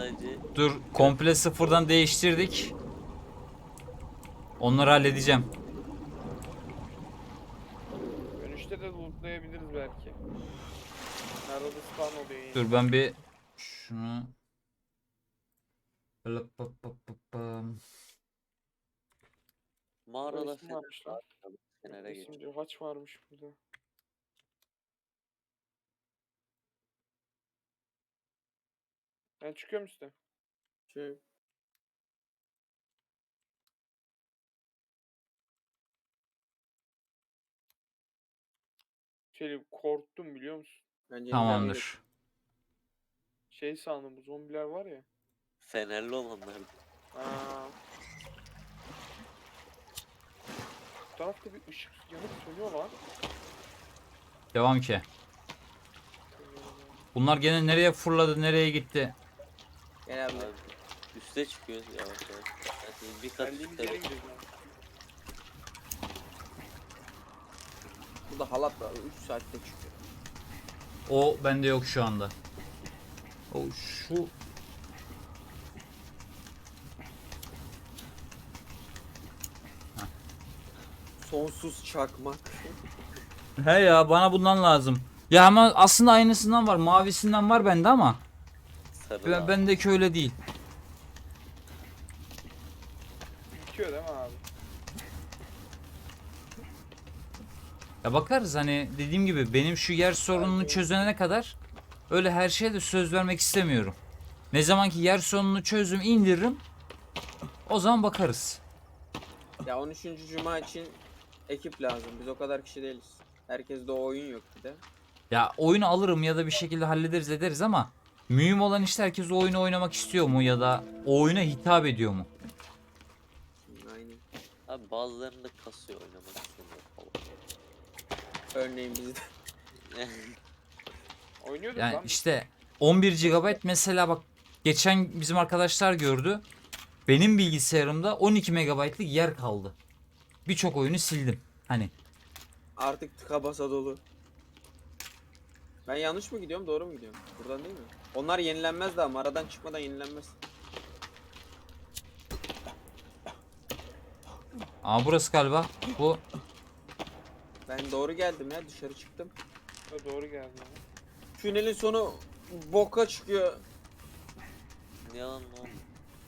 sadece. Dur, komple sıfırdan değiştirdik. Onları halledeceğim. Dönüşte de lootlayabiliriz belki. Arada spawn oluyor yine. Dur ben bir şunu Mağarada Resim varmış lan. Fener'e geç. Resimci haç varmış burada. Ben çıkıyorum üstte. Şey, Şey korktum biliyor musun? bence tamamdır. Şey sandım bu zombiler var ya. Fenerli olanlar. Aa. Bu tarafta bir ışık yanıp sönüyor lan. Devam ki. Bunlar gene nereye fırladı, nereye gitti? Gel abi. Abi, üste çıkıyoruz yavaş yavaş. Yani bir kat Geldiğimiz üstte yere bek- gidelim. abi. Burada halat var. 3 saatte çıkıyor. O bende yok şu anda. O şu Sonsuz çakmak. he ya, bana bundan lazım. Ya ama aslında aynısından var, mavisinden var bende ama sarı abi. bendeki öyle değil. Bitiyor değil mi abi? Ya bakarız, hani dediğim gibi benim şu yer sorununu çözene kadar öyle her şeye de söz vermek istemiyorum. Ne zaman ki yer sorununu çözüm indiririm, o zaman bakarız. Ya 13. Cuma için ekip lazım. Biz o kadar kişi değiliz. Herkeste o oyun yok bir de. Ya oyunu alırım ya da bir şekilde hallederiz ederiz ama mühim olan işte herkes o oyunu oynamak istiyor mu ya da o oyuna hitap ediyor mu? Aynen. Abi bazılarında kasıyor oynamak istemiyor falan. Örneğin bizde. Oynuyorduk Yani lan. işte 11 GB mesela, bak geçen bizim arkadaşlar gördü. Benim bilgisayarımda 12 MB'lık yer kaldı. Birçok oyunu sildim. Hani Artık tıka basa dolu. Ben yanlış mı gidiyorum, doğru mu gidiyorum? Buradan değil mi? Onlar yenilenmez daha. Mağaradan çıkmadan yenilenmez. burası galiba. Bu Ben doğru geldim ya, dışarı çıktım. Ha, doğru geldi. Abi. Tünelin sonu boka çıkıyor. Yalan ne oldu?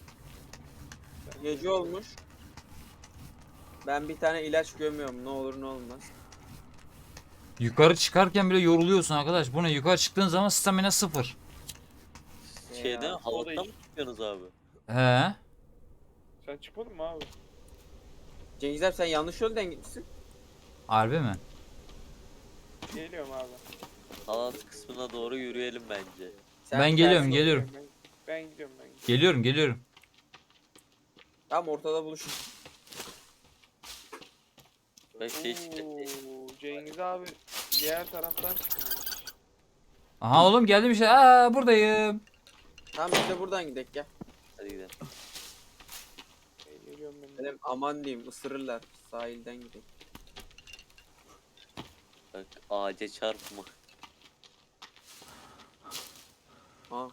Gece olmuş. Ben bir tane ilaç gömüyorum, ne olur ne olmaz. yukarı çıkarken bile yoruluyorsun arkadaş. Bu ne? Yukarı çıktığın zaman stamina 0. Şeyde Ya, halattan o mı da çıkıyorsunuz abi? He. Sen çıkmadın mı abi? Cengiz abi sen yanlış yoldan gitmişsin. Harbi mi? Geliyorum abi. Halat kısmına doğru yürüyelim bence. Sen Ben geliyorum, tersi- geliyorum. Ben gidiyorum ben gidiyorum. Geliyorum. Tam ortada buluşun. Ben şey çıkacak. Oo, Cengiz abi diğer taraftan çıkmış. Aha oğlum geldim işte. Buradayım. Tamam biz de buradan gidelim gel. Hadi gidelim. Geliyorum ben. Benim aman diyeyim ısırırlar. Sahilden gidelim. Bak ağaca çarpma. Ha.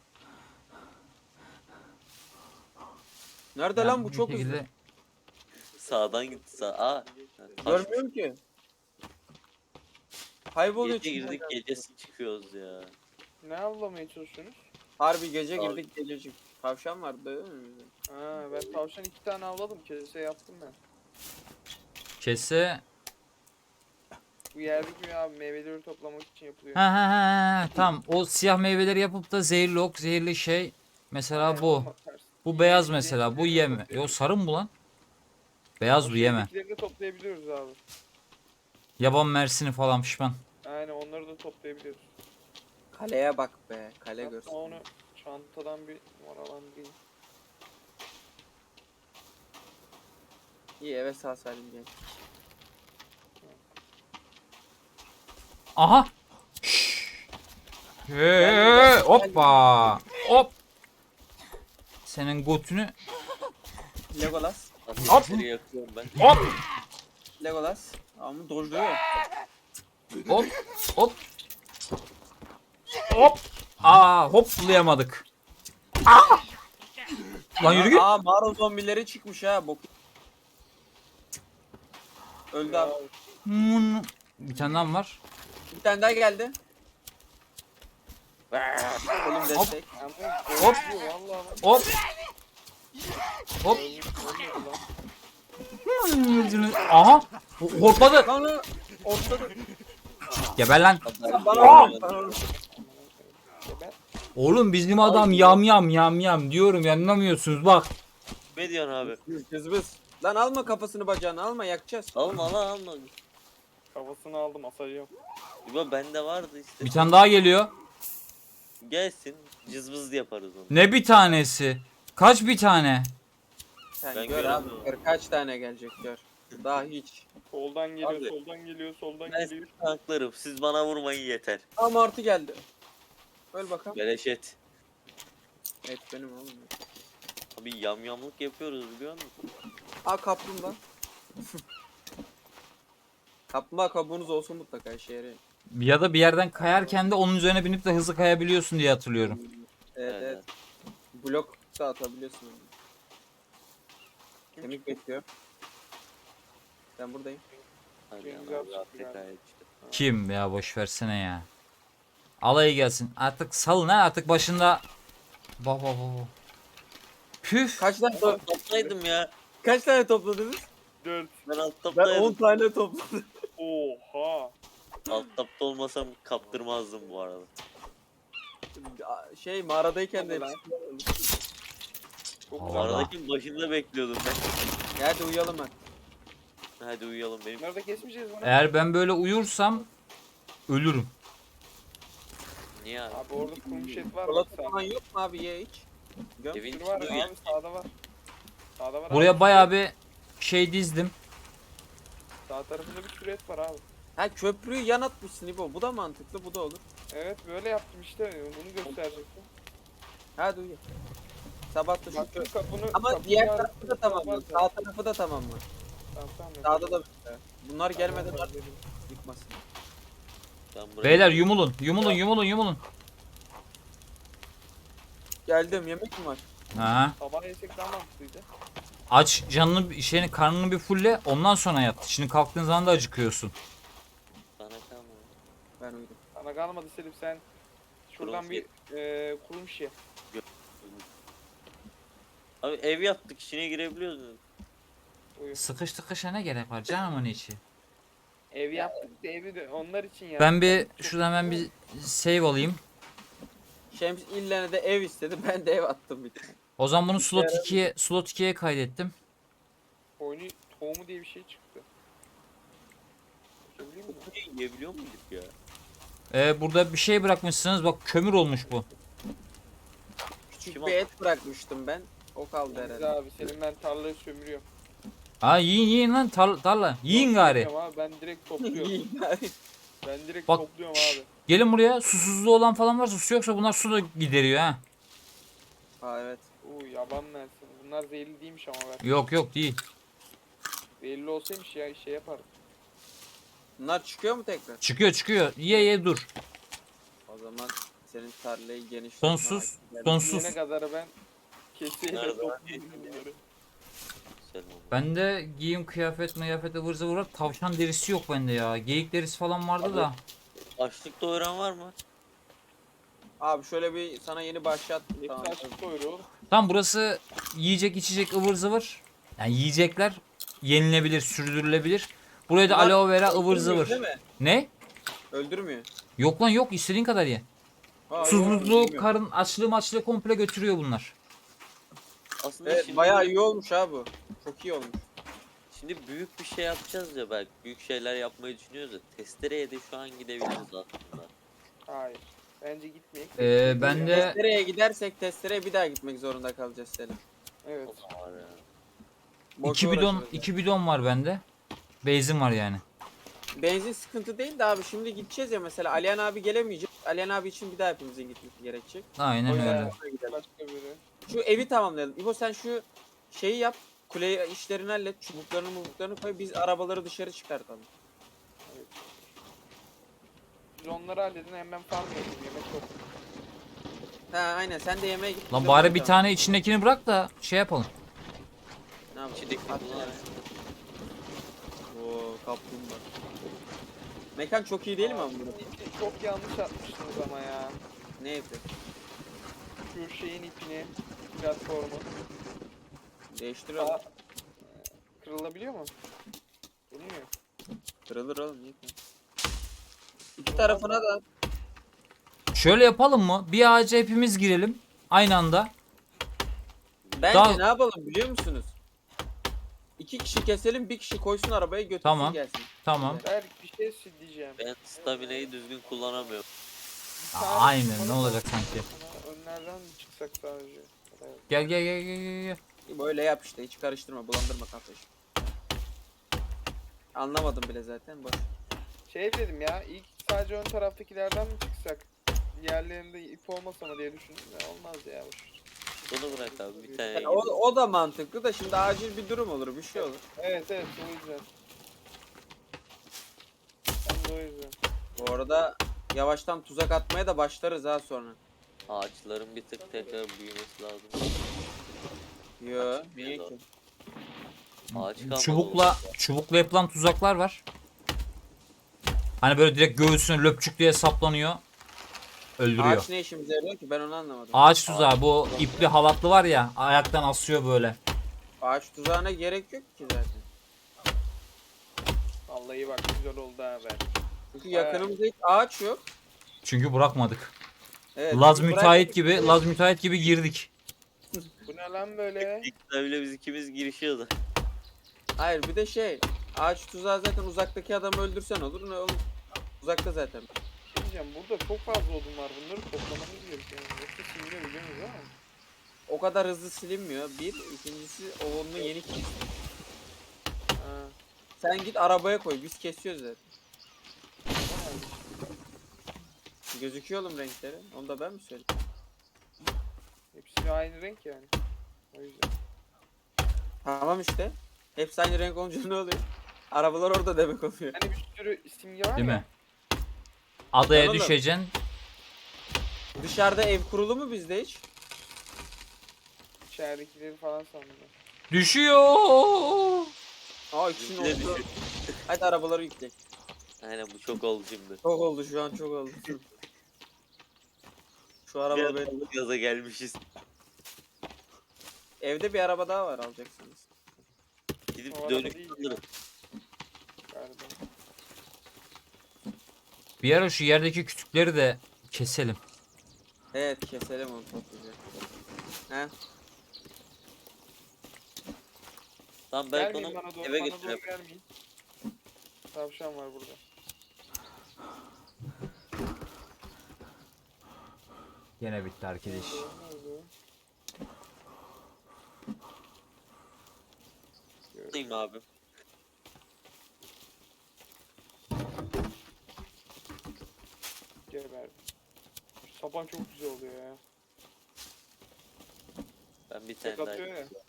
Nerede Ya lan bu bir çok şekilde- hızlı. Sağdan gitti sağ. Taş. Görmüyorum ki. Kayboluyor Gece girdik içinden. gecesi çıkıyoruz ya. Ne avlamaya çalışıyorsunuz? Harbi gece Abi. girdik gececik. Tavşan vardı değil mi bizde? Ha, ben tavşan 2 tane avladım. Kese yaptım ben. Kese. Bu yerdeki abi meyveleri toplamak için yapılıyor. Ha. Tamam. O siyah meyveleri yapıp da zehirli ok, zehirli şey. Mesela Aynen, bu. tam tersi. Bu beyaz mesela. Bu yeme. Yo, sarı mı bu lan? Beyaz bu, yeme. Şeydekileri de toplayabiliyoruz abi. Yaban mersini falan pişman. Aynen onları da toplayabiliyoruz. Kaleye bak be. Kale Hatta görsün. onu çantadan bir numaralandırayım. İyi eve sağ salim gel. Aha. Hoppa. Hop. Senin götünü. Legolas. Ateşleri yakıyorum ben. Hop. Legolas. Ama dojluyor. Hop. Hop. Hop. Hoplayamadık. Lan yürü git. Aa mağara zombileri çıkmış ha. Bok. Öldü abi. Bir tane daha mı var? Bir tane daha geldi. Oğlum destek. Hop. Vallahi Hop. Hop. Aha. Hortladı. Lan o ortada. Geber lan. Bana vurdu. Oğlum bizim adam yam yam yam yam diyorum ya, anlamıyorsunuz bak. Ne diyorsun abi? Cızbız. Lan alma kafasını bacağını alma yakacağız. Alma lan alma. Kafasını aldım asacağım. İbo bende vardı işte. Bir tane daha geliyor. Gelsin cızbız yaparız onu. Ne bir tanesi? Kaç bir tane? Sen Ben gör abi. göremiyorum. Gör kaç tane gelecek gör. Daha hiç. Soldan geliyor, Abi. soldan geliyor, soldan Ben geliyor. sizi tanklarım. Siz bana vurmayın yeter. Aa martı geldi. Öl bakalım. Beleş et. Evet benim oğlum. Abi yamyamlık yapıyoruz biliyor musun? Aa kaplumbağa. Kaplumbağa kabuğunuz olsun mutlaka işe yarıyor. Ya da bir yerden kayarken de onun üzerine binip de hızlı kayabiliyorsun diye hatırlıyorum. Evet evet. Blok da atabiliyorsun. Kemik bekliyor. Ben buradayım. Hadi Güzel ana, çıktı AFK galiba. işte. Kim ya, boş versene ya. Alayı gelsin. Artık salın ha, artık başında. Bak bak bak. Püf. Kaç tane Toplaydım ya. kaç tane topladınız? 4. Ben alt Ben 10 taptaydım. tane topladım. Oha. Alt tapta olmasam kaptırmazdım bu arada. Şey mağaradayken de Hadi lan. Çok Allah. güzel. Aradaki başında bekliyordum ben. Hadi uyuyalım hadi. Hadi uyuyalım benim. Bunları da kesmeyeceğiz bunu. Eğer ben böyle uyursam ölürüm. Niye abi? Abi orada kurumuş et var. Bak Çikolata sağda. falan yok mu abi ye hiç? Göm. Evin Bir var içinde abi sağda var. Sağda var Buraya abi. bayağı bir şey dizdim. Sağ tarafında bir sürü et var abi. Ha köprüyü yan atmışsın İbo. Bu da mantıklı bu da olur. Evet böyle yaptım işte. Bunu gösterecektim. Hadi uyu. Sabah da şu Bak köprü. şu kapını... Ama kapını diğer yardım- tarafı da tamamla. Var Sağ tarafı da tamamla. Tamam tamam. Sağda da böyle. Bunlar gelmeden Tamam, artık dedim. yıkmasın. Ben buraya... Beyler yumulun, yumulun, yumulun, yumulun. Geldim yemek mi var? Ha. Sabah yesek daha mantıklıydı. Aç canını, şeyini, karnını bir fulle, ondan sonra yat. Şimdi kalktığın zaman da acıkıyorsun. Sana kalma. Ben uyudum. Sana kalmadı Selim sen. Şuradan Kurumuş bir kurumuş ye. Abi ev yaptık içine girebiliyoruz mu? Uyu. Sıkış tıkışa ne gerek var canımın içi. Ev yaptık da evi de onlar için ya. Ben bir şuradan hemen bir save alayım. Şems illene de ev istedi. Ben de ev attım bir tane. O zaman bunu slot 2'ye kaydettim. Oyunu tohumu diye bir şey çıktı. Söyleyeyim mi? Yiyebiliyor muyduk ya? Burada bir şey bırakmışsınız, bak kömür olmuş bu. Küçük Kim bir et bırakmıştım ben. O kaldı Yalnız herhalde. abi senin ben tarlayı sömürüyorum. Ha yiyin yiyin lan, tarla. Yiyin gari. Sömürüyorum Abi, ben direkt topluyorum. İyi yani. Ben direkt Bak. topluyorum abi. Gelin buraya, susuzluğu olan falan varsa, su yoksa bunlar su da gideriyor ha. Ha evet. Yaban mersin. Bunlar zehirli değilmiş ama ben. Yok yok değil. Zehirli olsaymış ya şey yapardım. Bunlar çıkıyor mu tekrar? Çıkıyor çıkıyor. Ye ye dur. O zaman senin tarlayı geniş Sonsuz, tutmana- sonsuz. Yine kadar ben keseyle Nerede? topluyorum bunları. Selam. Bende giyim, kıyafet, mıyafet, ıvır zıvır var. Tavşan derisi yok bende ya. Geyik derisi falan vardı da. Açlık doyuran var mı? Abi şöyle bir sana yeni başlat. Hepsi Tamam. açık doyuruyor oğlum. Tam burası yiyecek, içecek, ıvır zıvır. Yani yiyecekler yenilebilir, sürdürülebilir. Buraya da Bunlar aloe vera, ıvır öldürmüyor zıvır. değil mi? Ne? Öldürmüyor. Yok lan yok, istediğin kadar ye. Ha, yok, Susuzluğu, öldürmüyor. karın açlığı komple götürüyor bunlar. Aslında Evet şimdi, bayağı iyi olmuş ha bu. Çok iyi olmuş. şimdi büyük bir şey yapacağız ya belki. Büyük şeyler yapmayı düşünüyoruz ya. Testereye de şu an gidebiliriz aslında. Hayır. Bence gitmeyek. Ben de Testereye gidersek testereye bir daha gitmek zorunda kalacağız Selim. Evet. O zaman var ya. Boşa 2 bidon uğraşırız yani. 2 bidon var bende. Benzin var yani. Benzin sıkıntı değil de abi şimdi gideceğiz ya mesela Alihan abi gelemeyecek. Alihan abi için bir daha hepimizin gitmesi gerekecek. O Aynen yüzden öyle. sonra gidelim. Başka biri. Şu evi tamamlayalım. İbo sen şu şeyi yap. Kule işlerini hallet. Çubuklarını koy. Biz arabaları dışarı çıkartalım. Siz onları halledin hemen farm yapın. Yemek yok. Ha aynen sen de yemeğe git. Lan biz bari onu bir tamam. tane içindekini bırak da şey yapalım. Ne yapalım? İçindeki At bunlar. yani. Oo kaplumbağa. Mekan çok iyi değil mi ama burada? İpi çok yanlış atmışsınız ama ya. Ne yapıyor? Şu şeyin ipini, platformu. Değiştir Aa, oğlum. kırılabiliyor mu? Bilmiyor. Kırılır oğlum. Niye kırılır? İki tarafına da. Şöyle yapalım mı? Bir ağaca hepimiz girelim. Aynı anda. Bence Daha- ne yapalım biliyor musunuz? 2 kişi keselim, bir kişi koysun arabaya götürsün Tamam. gelsin. Tamam. Berk bir şey diyeceğim. Ben stamina'yı düzgün kullanamıyorum. Bir tane Aynen, bana ne olacak bak. sanki. Sana önlerden mi çıksak sadece? Evet. Gel gel gel gel gel, gel. Böyle yap işte hiç karıştırma, bulandırma kafayı. Anlamadım bile zaten boş. Şey dedim ya, ilk sadece ön taraftakilerden mi çıksak? Diğerlerinde ip olmasa mı diye düşündüm de olmaz ya. Boş. Bunu bırak abi bir tane Yani o da mantıklı da şimdi acil bir durum olur, bir şey olur. Evet evet o yüzden. Ben de o yüzden. Bu arada yavaştan tuzak atmaya da başlarız ha sonra. ağaçların bir tık tekrar büyümesi lazım. Yo, Açık niye bir ki? Ağaç kalmadı. Çubukla yapılan tuzaklar var. Hani böyle direkt göğsüne löpçük diye saplanıyor. Öldürüyor. Ağaç ne işimize yarıyor ki ben onu anlamadım. Ağaç tuzağı, bu ipli halatlı var ya, ayaktan asıyor böyle. Ağaç tuzağına gerek yok ki zaten. Vallahi bak güzel oldu ha Berk. Çünkü yakınımızda hiç ağaç yok. Çünkü bırakmadık. Evet, Laz biz müteahhit bırakmadık. gibi, Laz müteahhit gibi girdik. Bu ne lan böyle? İlk bile biz ikimiz girişiyordu. Hayır bir de şey, ağaç tuzağı zaten uzaktaki adamı öldürsen olur ne olur. Uzakta zaten. Şey diyeceğim burada çok fazla odun var bunları toplamamız gerekiyor. Yoksa sindirebiliyoruz ama. O kadar hızlı silinmiyor. Bir, ikincisi o onun yeni kes. Ha. Sen git arabaya koy, biz kesiyoruz zaten. Tamam. Gözüküyor oğlum renkleri. Onu da ben mi söyleyeyim? Hepsi aynı renk yani. O yüzden. Tamam işte. Hepsi aynı renk olunca ne oluyor? Arabalar orada demek oluyor. Hani bir sürü simge var Değil ya. mi? Adaya Oğlum. düşeceksin. Dışarıda ev kurulu mu bizde hiç? İçeridekileri falan sandım. Düşüyor. Aa ikisinin Bizimki de oldu. Hadi arabaları yükle. Aynen bu çok oldu şimdi. Çok oldu şu an çok oldu. Şu araba Bir benim. anda gaza gelmişiz. Evde bir araba daha var alacaksanız. Gidip O araba dönüp değil alırız. Galiba. Bir ara şu yerdeki kütükleri de keselim. Evet keselim onu toplayacak. He? Tamam belki Gelmeyin onu bana doğru, eve bana doğru götürelim. gelmeyin. Tavşan var burada. Yine bitti arkadaş. Nerede? Alayım abi. Geberdim. Şu sapan çok güzel oluyor ya. Ben bir tane Tek daha atıyor ya. yapayım.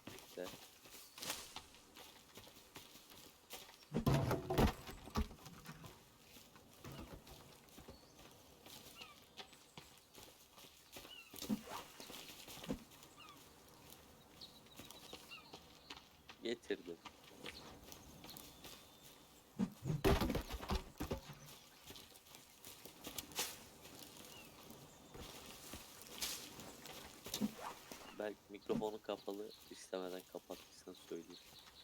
Getirdim. Belki mikrofonu kapalı istemeden kapattıysan söyleyeyim.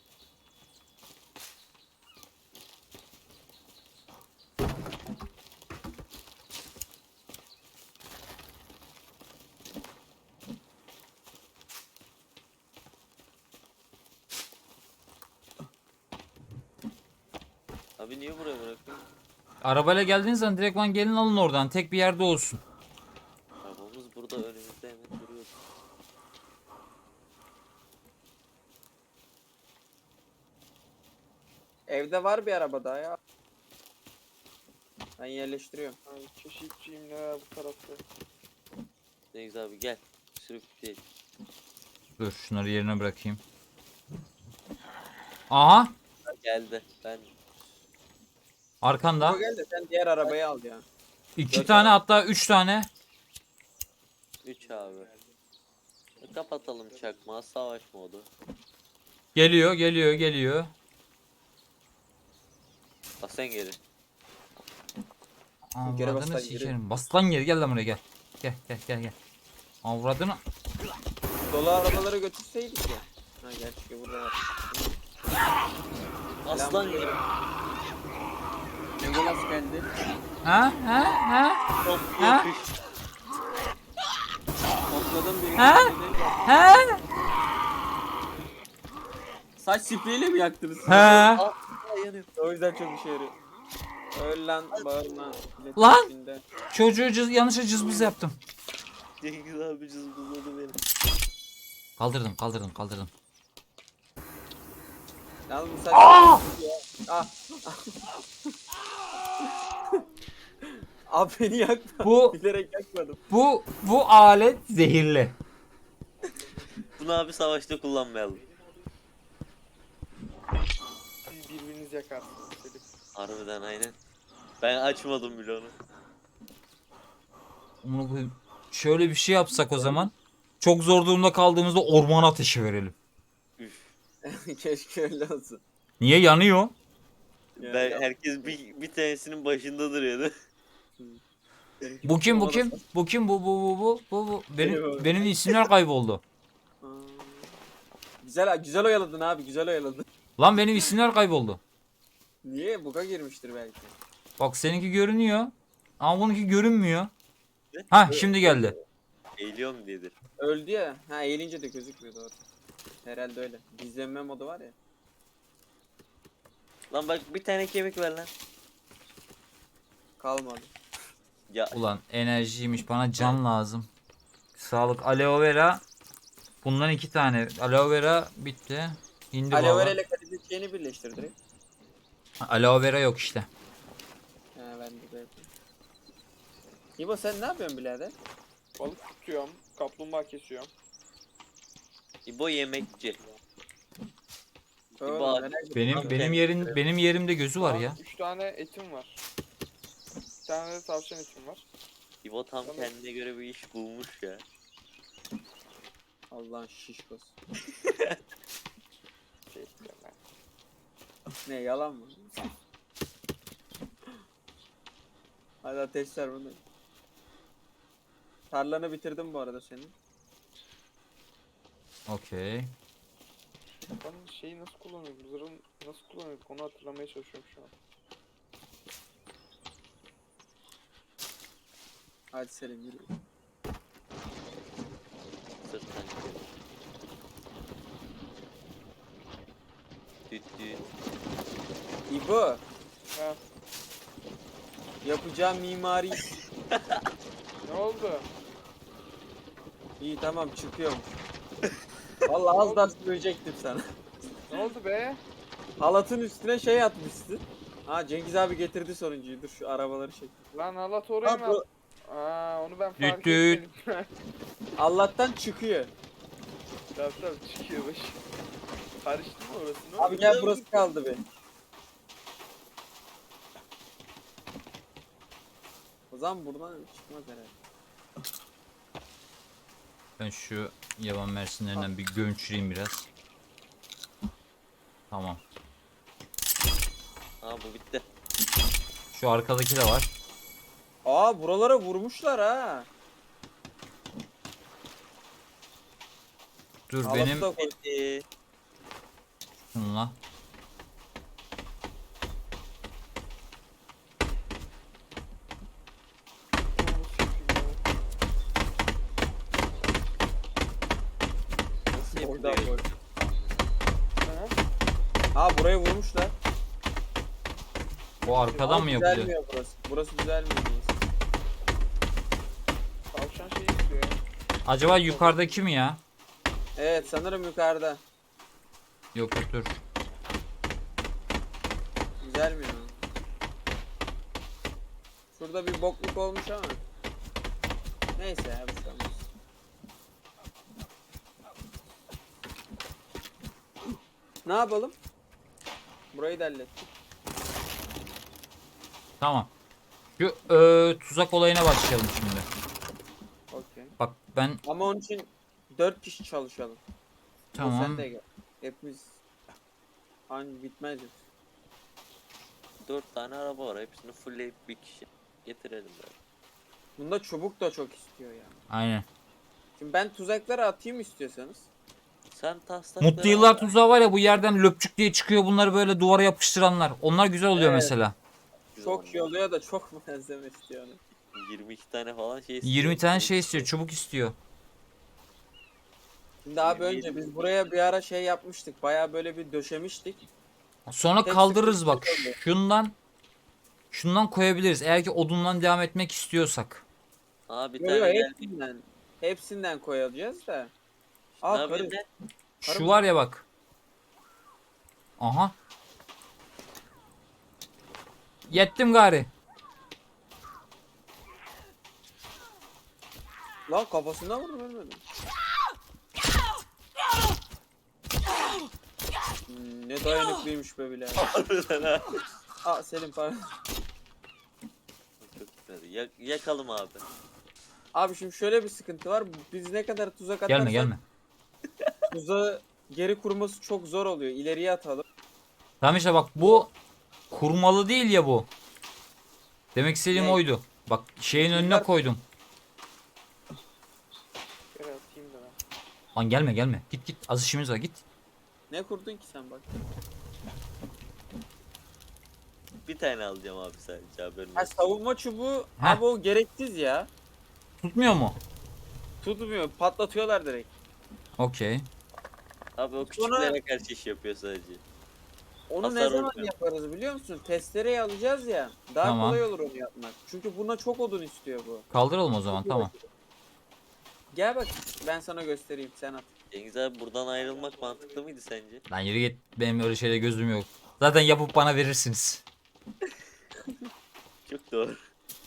Abi niye buraya bırakıyorsun? Arabayla geldiğiniz zaman direktman gelin alın oradan. Tek bir yerde olsun. Arabamız burada önümüzde hemen duruyor. Evde var bir araba daha ya. Ben yerleştiriyorum. Ay, keşifçiyim ne var bu tarafta. Cengiz abi gel. Sürükleyelim. Dur şunları yerine bırakayım. Aha, Geldi. Ben arkanda. O gel de sen diğer arabayı al ya. İki Dört tane araba. hatta 3 tane. 3 abi. Kapatalım çakmağı, savaş modu. Geliyor, geliyor, geliyor. Bak sen geri. Geri bas Avradını lan, geri. sikerim. Bas lan geri, gel lan buraya gel. Gel gel gel gel. Avradını. Dolu arabaları götürseydik ya. Ha gerçi burada var. Aslan gibi. Legolas geldi. Ha ha ha Çok Ha? yapış. Topladım birini. Ha? ha Saç spreyiyle mi yaktınız? ha. Aa, yanıyor. O yüzden çok işe yarıyor. Öl lan, bağırma. milletin Lan! içinde. Çocuğu yanlışa cızbız yaptım. Cengiz abi cızbızladı beni. Kaldırdım, kaldırdım, kaldırdım. Yalnız bu saç... Aa! Ah! Abi beni yakma. Bu- Bilerek yakmadım. Bu alet zehirli. Bunu abi savaşta kullanmayalım. Siz birbirinizi yakarsınız Selim. Harbiden aynen. Ben açmadım bile onu. Şöyle bir şey yapsak o zaman. Çok zor durumda kaldığımızda ormana ateşi verelim. Üf. Keşke öyle olsun. Niye yanıyor? Ya, Ben ya. herkes bir tanesinin başında duruyordu. Benimki Bu kim, bu olmadı. kim? Bu kim? Bu. Eyvah. Benim isimler kayboldu. Aa. Güzel oyaladın abi, güzel oyaladın. Lan benim isimler kayboldu. Niye? Buga girmiştir belki. Bak seninki görünüyor. Ama bununki görünmüyor. Ha şimdi geldi. Eğiliyorum diyedir. Öldü ya. Ha eğilince de gözükmüyor doğru. Herhalde öyle. Gizlenme modu var ya. Lan bak bir tane kemik ver lan. Kalmadı. Ya Ulan enerjiymiş, bana can lazım. Sağlık, aloe vera. Bundan 2 tane. Aloe vera bitti. Hindi Aloe vera baba. ile kadife çiçeğini birleştir direkt. Aloe vera yok işte. Ha ben de böyle. İbo sen ne yapıyorsun birader? Balık tutuyorum. Kaplumbağa kesiyorum. İbo yemekçi. Oo, İbo merak ettim. Benim yerimde gözü var ya. 3 tane etim var. Bir tane de tavşan etim var. İbo tam Tamam. kendine göre bir iş bulmuş ya. Allah'ın şişkosu. Şey istiyorum ben. Ne yalan mı? Hadi ateşler bunu. Tarlanı bitirdim bu arada senin. Okey. Ben şeyi nasıl kullanıyordum? Zırhın nasıl kullanıyorduk? Onu hatırlamaya çalışıyorum şu an. Hadi Selim yürü. Sırttan gidiyor. Düt düt. İbo Ha, yapacağım mimari. ne oldu? İyi tamam çıkıyorum. Vallahi az daha söyleyecektim sana. Ne oldu be? Halatın üstüne şey atmışsın. Ha Cengiz abi getirdi sonuncuyu. Dur şu arabaları çek. Lan halat oraya Ha, mı? bu- Aa, onu ben fark Düt etmedim. Allah'tan çıkıyor. Tamam tamam çıkıyor baş. Karıştı mı orası? Ne Abi oldu? gel burası kaldı be. O zaman buradan çıkmaz herhalde. Ben şu yaban mersinlerinden bir gömçüreyim biraz. Tamam. Aa bu bitti. Şu arkadaki de var. Aa buralara vurmuşlar ha. Dur Halatı benim da koy. şunla. Nasıl Oradan yapılıyor? koy. Ha? Ha buraya vurmuşlar. Bu arkadan Ama mı yapılıyor? düzelmiyor burası. Burası düzelmiyor. neyse. Tavşan şeyi istiyor ya. Acaba yukarıdaki mi ya? Evet sanırım yukarıda. Yok yok dur. Düzelmiyor. Şurada bir bokluk olmuş ama. Neyse ya bir şey olmaz. Ne yapalım? Burayı da hallettik. Tamam. Şu tuzak olayına başlayalım şimdi. Okey. Bak Ben Ama onun için 4 kişi çalışalım. tamam. Sen de gel. Hepimiz hani bitmez yok. 4 tane araba var. Hepsini fullleyip bir kişi getirelim böyle. Bunda çubuk da çok istiyor yani. Aynen. Şimdi ben tuzakları atayım istiyorsanız. Sen taslakları Mutlu yıllar al. tuzağı var ya, bu yerden löpçük diye çıkıyor, bunları böyle duvara yapıştıranlar. Onlar güzel oluyor Evet. mesela. Çok iyi oluyor da çok malzeme istiyor. Yani. 22 tane falan şey istiyor. 20 tane şey istiyor, çubuk istiyor. Şimdi abi 27 önce biz buraya bir ara şey yapmıştık. Bayağı böyle bir döşemiştik. Sonra Tek kaldırırız bak. sıkıntı oluyor. Şundan koyabiliriz eğer ki odundan devam etmek istiyorsak. Aa bir Yo, tane yo, geldi. hepsinden koyacağız da. Ne Aa yapayım karı. ben? Şu var ya bak. Aha. Yettim gari. Lan kafasına vurdum ölmedim. Ne dayanıklıymış be bile. Harbiden ha. Aa Selim pardon. Çok güzel. Yakalım abi. Abi şimdi şöyle bir sıkıntı var. Biz ne kadar tuzak atarsak Gelme gelme. tuzağı geri kurması çok zor oluyor. İleriye atalım. Tamam işte bak, bu kurmalı değil ya bu. Demek istediğim Ne? oydu. Bak şeyin önüne Bunlar- koydum. Gel atayım da ben. Lan gelme gelme. Git git. Az işimiz var, git. Ne kurdun ki sen bak. Bir tane alacağım abi sadece haberin Ha olsun. savunma çubuğu Heh. abi o gereksiz ya. Tutmuyor mu? Tutmuyor. Patlatıyorlar direkt. Okey. Abi o Sonra- küçüklere karşı iş yapıyor sadece. Onu ne Hasar zaman olmuyor. yaparız biliyor musun? Testereyi alacağız ya. Daha Tamam. kolay olur onu yapmak. Çünkü buna çok odun istiyor bu. Kaldıralım o zaman, tamam. Gel bak ben sana göstereyim sen at. Cengiz abi buradan ayrılmak mantıklı mıydı sence? Lan yürü git. Benim öyle şeyle gözüm yok. Zaten yapıp bana verirsiniz. Çok doğru.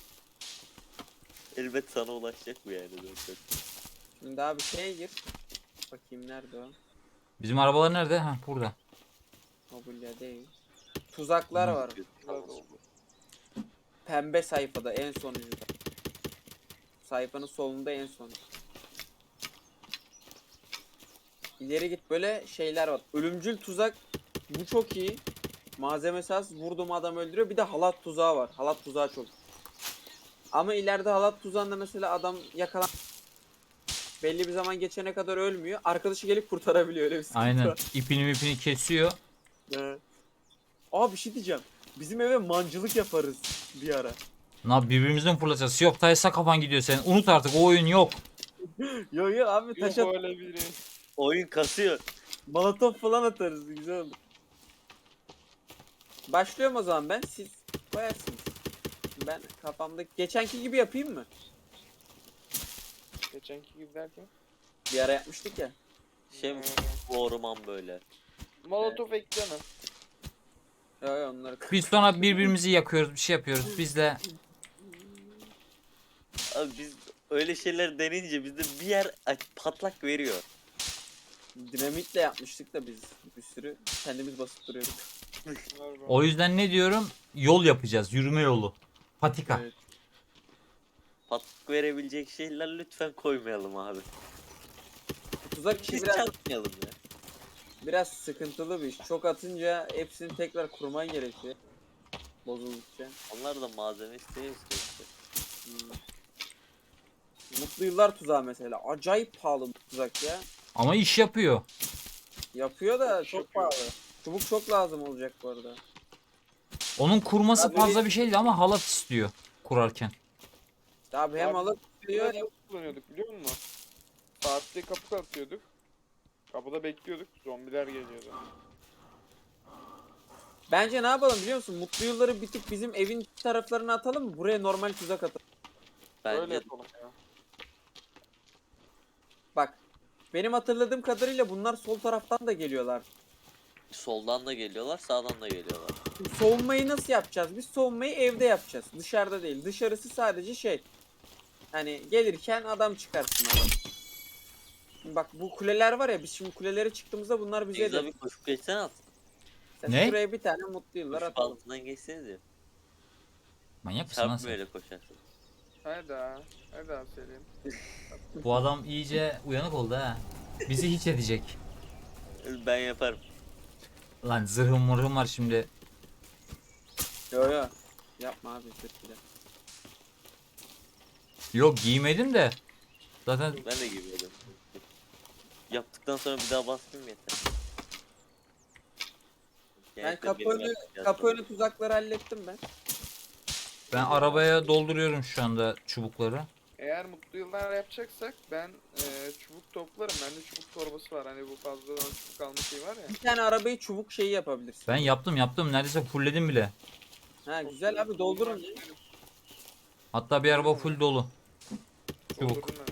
Elbet sana ulaşacak bu yani zaten. Şimdi abi şeye gir. Bakayım nerede o? Bizim arabalar nerede? Ha burada. Mobilya değil. Tuzaklar var. Biraz oldu. Pembe sayfada en sonuncuda. Sayfanın solunda en son. İleri git böyle şeyler var. Ölümcül tuzak bu çok iyi. Malzemesi az vurduğum adam öldürüyor. Bir de halat tuzağı var. Halat tuzağı çok. Ama ileride halat tuzağında mesela adam yakalan belli bir zaman geçene kadar ölmüyor. Arkadaşı gelip kurtarabiliyor öyle bir sıkıntı Aynen. var. İpini kesiyor. Evet. Aa bir şey diyeceğim. Bizim eve mancılık yaparız bir ara. Birbirimizden fırlatacağız. Yok Taysa kafan gidiyor senin. Unut artık, o oyun yok. Yo yo abi Yok taş at, öyle biri. Oyun kasıyor. molotof falan atarız güzel olur. Başlıyorum o zaman ben. Siz koyarsınız. Ben kafamda geçenki gibi yapayım mı? Geçenki gibi derken. Bir ara yapmıştık ya. Şey mi? Bu orman böyle. Molotof ekleme. Yo yo onları. Biz sonra birbirimizi yakıyoruz, bir şey yapıyoruz. Biz de Abi biz öyle şeyler denince bizde bir yer patlak veriyor. Dinamitle yapmıştık da biz bir sürü kendimiz basıp duruyorduk. o yüzden ne diyorum? Yol yapacağız. Yürüme yolu. Patika. Evet. Patlak verebilecek şeyler lütfen koymayalım abi. Tuzak işi Biz biraz, çarpmayalım ya. biraz sıkıntılı bir iş. Çok atınca hepsini tekrar kurman gerekiyor. Bozuldukça. Onlar da malzeme istiyor işte. Hmm. Mutlu yıllar tuzağı mesela. Acayip pahalı bu tuzak ya. Ama iş yapıyor. Yapıyor da Çok çok yapıyor. pahalı. Çubuk çok lazım olacak bu arada. Onun kurması Abi- fazla bir şeydi ama halat istiyor kurarken. Abi hem Abi, alıp diyor. Nasıl kullanıyorduk biliyor musun? Saatte kapı atıyorduk. Kapıda bekliyorduk. Zombiler geliyordu. Bence ne yapalım biliyor musun? Mutlu yılları bir tık bizim evin taraflarına atalım mı? Buraya normal tuzak atalım. Öyle Bence yapalım ya. Bak. Benim hatırladığım kadarıyla bunlar sol taraftan da geliyorlar. soldan da geliyorlar, sağdan da geliyorlar. Şimdi savunmayı nasıl yapacağız? Biz savunmayı evde yapacağız. Dışarıda değil. Dışarısı sadece şey. Hani gelirken adam çıkarsın adam. Şimdi bak bu kuleler var ya biz şimdi kulelere çıktığımızda bunlar bize Cengiz de. abi koşup geçsene at. Sen Ne? şuraya bir tane mutlu yıllar Koşup atalım. altından geçsenize. Manyak mısın lan Çarpma sen? öyle koşarsın. Hadi daha. Hadi daha Selim. Bu adam iyice uyanık oldu ha. Bizi hiç edecek. Ben yaparım. Lan zırhım mırhım var şimdi. Yo yo. Yapma abi sırtıyla. Yok giymedim de. Zaten Ben de gibiydim. Yaptıktan sonra bir daha basmayayım yeter. Ben Genellikle kapı benim önü, yapacağım. kapı önü tuzakları hallettim ben. ben arabaya dolduruyorum şu anda çubukları. Eğer mutlu yıllar yapacaksak ben çubuk toplarım. Bende çubuk torbası var. Hani bu fazladan çubuk alma şeyi var ya. Bir tane arabayı çubuk şeyi yapabilirsin. Ben yaptım. Neredeyse fullledim bile. Ha güzel abi doldurun. Hatta bir araba full dolu. Çubuk. Doldurdum ben.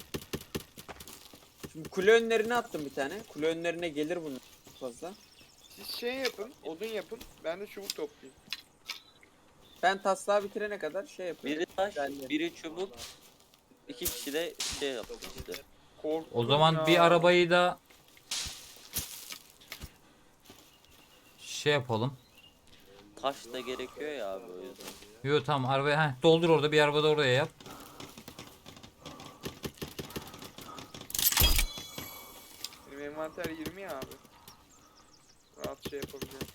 Şimdi kule önlerine attım bir tane. Kule önlerine gelir bunun fazla. Siz şey yapın, odun yapın. Ben de çubuk toplayayım. Ben taslağı bitirene kadar şey yapıyorum. Biri taş, Güzel. biri çubuk. İki kişi de şey yaptı işte. Korktum O zaman ya. bir arabayı da şey yapalım. Taş da gerekiyor ya abi o yüzden. Yo tamam arabaya doldur orada bir araba da oraya yap. Benim envanter 20 ya abi. Rahat şey yapabiliyorum.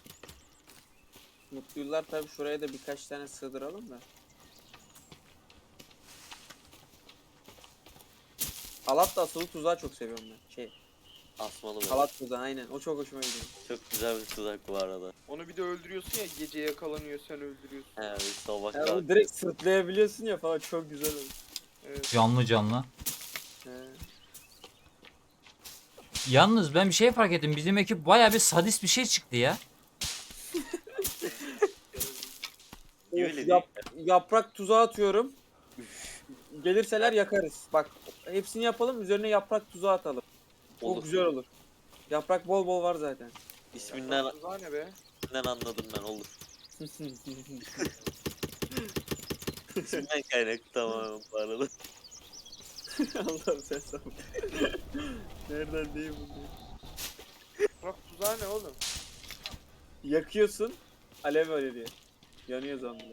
Mutlu yıllar tabi şuraya da birkaç tane sığdıralım da. Halat da asılı tuzağı çok seviyorum ben. Şey, Asmalı böyle. halat tuzağı aynen. O çok hoşuma gidiyor. Çok güzel bir tuzak bu arada. Onu bir de öldürüyorsun ya, gece yakalanıyor, sen öldürüyorsun. He bir sabah Yani kalk. onu direkt sırtlayabiliyorsun ya falan çok güzel olur. Evet. Canlı. He. Yalnız ben bir şey fark ettim. Bizim ekip baya bir sadist bir şey çıktı ya. Niye Of, öyle değil? yaprak tuzağı atıyorum. Gelirseler yakarız. Bak hepsini yapalım üzerine yaprak tuzağı atalım. Çok Olur. güzel olur. Yaprak bol bol var zaten. İsminden, Tuzağı ne be? isminden anladım ben olur. İsminden kaynaklı tamamen bu arada. Allah'ım sen sağ ol. Nereden değil bu? Bak tuzağı ne oğlum? Yakıyorsun. Alev öyle diye. Yanıyor zombiler.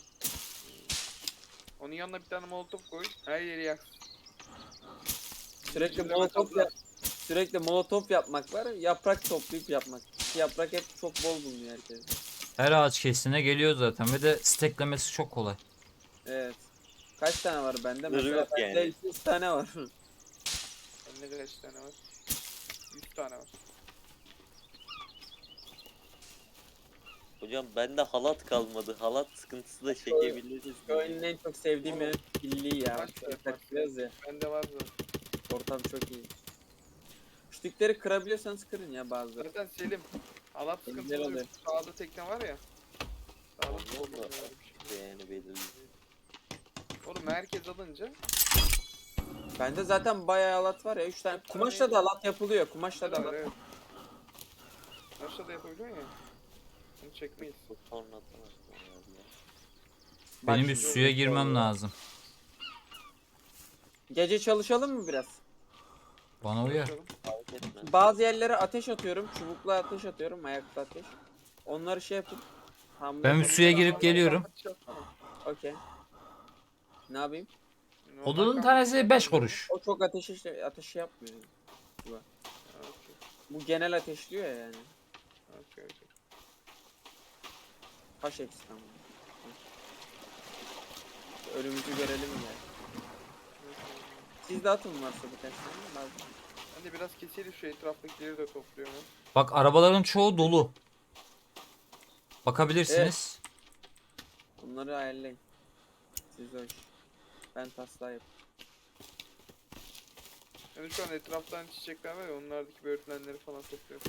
Onun yanına bir tane molotof koy. Her yeri yak. Sürekli İçinde molotof metal- sürekli molotof yapmak var. Yaprak toplayıp yapmak. Yaprak hep çok bol bulunuyor herkes. Her ağaç kesine geliyor zaten ve de steklemesi çok kolay. Evet. Kaç tane var bende? Sınırı Mesela yok bende yani. 200 tane var. Bende kaç tane var? 100 tane var. Hocam bende halat kalmadı. Halat sıkıntısı da çekebiliriz. Şu oyunun en çok sevdiğim benim pilliği ya. Kaç Şöyle tane var? takılıyoruz ya. Bende var zaten. Ortam çok iyi. Küçükleri kırabiliyorsanız kırın ya bazıları. Zaten Selim. Halat Güzel sıkıntısı oluyor. oluyor. Sağda tekne var ya. Sağda Olmaz tekne mı? var bir şey. Yani belirli. Oğlum herkes alınca Bende zaten bayağı halat var ya. 3 tane. Kumaşla da halat yapılıyor. Kumaşla da var halat. evet. Başta da yapabiliyor ya. Bunu çekmeyiz. Bu sonradan aklıma geldi ya. Bak Benim bir şimdi suya oldu. girmem lazım. Gece çalışalım mı biraz? Bana uyar. Bakalım. Fark etmez. Bazı yerlere ateş atıyorum. Çubukla ateş atıyorum. Ayakta ateş. Onları şey yapın. Hamle Ben bir yapın. suya girip geliyorum. Okey. Ne yapayım? Odunun tanesi 5 kuruş. O çok ateş yapmıyor. Bu genel ateşliyor ya yani. Kaç eksik ama. Ölümümüzü görelim yani. Siz de atın varsa birkaç tane. Lazım. Ben de biraz keselim şu etraftakileri de topluyorum. Bak arabaların çoğu dolu. Bakabilirsiniz. Bunları ayarlayın. Siz o iş. Ben taslağı yapayım. Yani şu an etraftan çiçekler var ya, onlardaki böğürtlenleri falan topluyorum.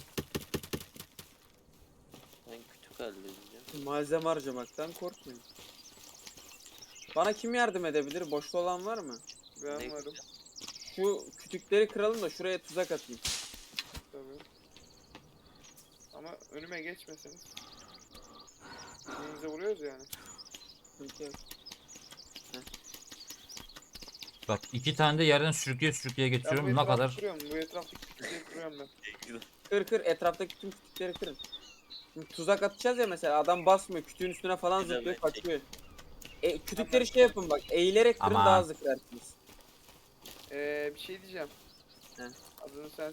Ben kütük halledeceğim. Malzeme harcamaktan korkmayın. Bana kim yardım edebilir? Boşta olan var mı? Ben Ne varım Şu kütükleri kıralım da şuraya tuzak atayım. tabii. Ama önüme geçmeseniz. Birbirimize vuruyoruz yani. Sıkıntı yok. Bak 2 tane de yerden sürükleye Ben getiriyorum. bu Ne etrafı kadar kırıyorum. Bu etraftaki kütükleri kırıyorum ben. Kır etraftaki tüm kütükleri kırın. Şimdi tuzak atacağız ya mesela adam basmıyor kütüğün üstüne falan Güzel zıplıyor bence. kaçıyor. Kütükleri şey yapın bak. Eğilerek kırın Aman. daha hızlı kırarsınız. Bir şey diyeceğim. He. Adını sen